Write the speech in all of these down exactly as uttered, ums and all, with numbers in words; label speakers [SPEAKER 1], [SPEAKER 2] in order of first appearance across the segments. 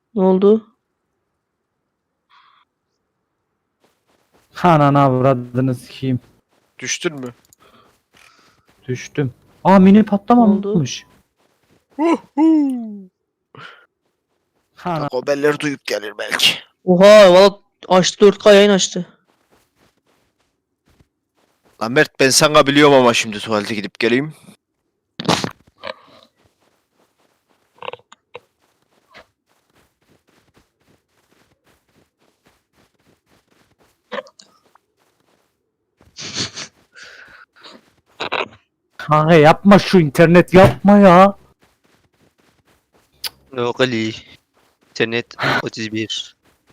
[SPEAKER 1] Ne oldu?
[SPEAKER 2] Ananı avradını sikeyim.
[SPEAKER 3] Düştün mü?
[SPEAKER 2] Düştüm. Aa mini
[SPEAKER 1] Ne oldu?
[SPEAKER 2] patlamamış.
[SPEAKER 3] Huhu.
[SPEAKER 2] Ana.
[SPEAKER 3] Haberleri duyup gelir belki.
[SPEAKER 1] Oha valla açtı dört K yayın açtı.
[SPEAKER 3] Lan Mert ben sana biliyorum ama şimdi tuvalete gidip geleyim.
[SPEAKER 2] Kanka yapma şu internet yapma ya.
[SPEAKER 4] Yok Ali. İnternet otuz bir.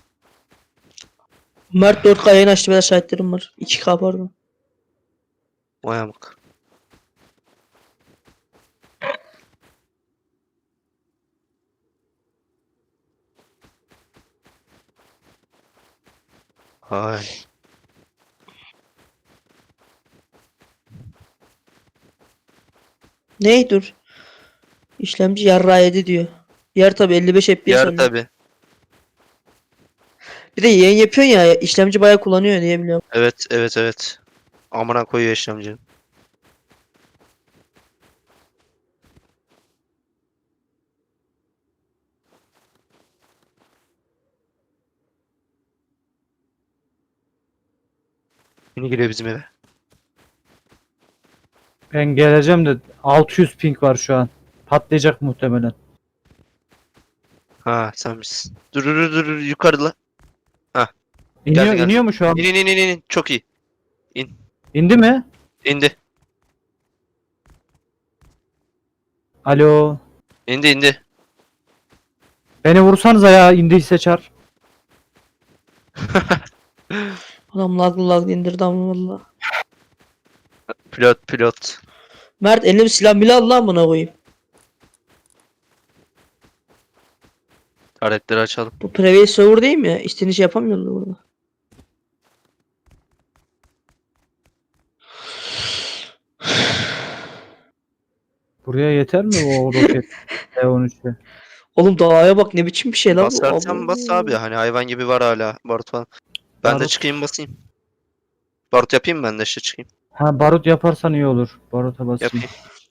[SPEAKER 1] Mert dört K yayın açtı, ben şahitlerim var. iki K pardon.
[SPEAKER 4] Vay amık. Ay.
[SPEAKER 1] Ney dur. İşlemci yarrağı yedi diyor. Yer tabi elli beş F P S
[SPEAKER 4] Yar
[SPEAKER 1] alıyor.
[SPEAKER 4] tabi.
[SPEAKER 1] Bir de yayın yapıyorsun ya, işlemci bayağı kullanıyor diye biliyorum.
[SPEAKER 4] Evet evet evet. Amına koyuyor işlemci. Yeni geliyor bizim eve.
[SPEAKER 2] Ben geleceğim de altı yüz ping var şu an. Patlayacak muhtemelen.
[SPEAKER 4] Ha sen misin? Dur dur dur dur yukarıda.
[SPEAKER 2] İniyor,
[SPEAKER 4] Geldi, geldi.
[SPEAKER 2] iniyor mu şu an?
[SPEAKER 4] İn in in in in. Çok iyi.
[SPEAKER 2] İndi mi?
[SPEAKER 4] İndi.
[SPEAKER 2] Alo.
[SPEAKER 4] İndi indi.
[SPEAKER 2] Beni vursanıza ya, indiyse çar.
[SPEAKER 1] Adam laglı laglı indirdi ama valla.
[SPEAKER 4] Pilot pilot.
[SPEAKER 1] Mert eline bir silah bile al lan buna koyayım.
[SPEAKER 4] Aletleri açalım.
[SPEAKER 1] Bu private server değil mi ya? İstediğin şey yapamıyorlar burada.
[SPEAKER 2] Buraya yeter mi o roket? T on üç'e.
[SPEAKER 1] Oğlum dağa bak, ne biçim bir şey lan bu.
[SPEAKER 4] Basarsan bas abi. Hani hayvan gibi var hala. Barut falan. Ben de
[SPEAKER 2] Barut.
[SPEAKER 4] çıkayım basayım. Barut yapayım ben de işte çıkayım.
[SPEAKER 2] Ha barut yaparsan iyi olur. Baruta basayım.
[SPEAKER 4] Yapayım.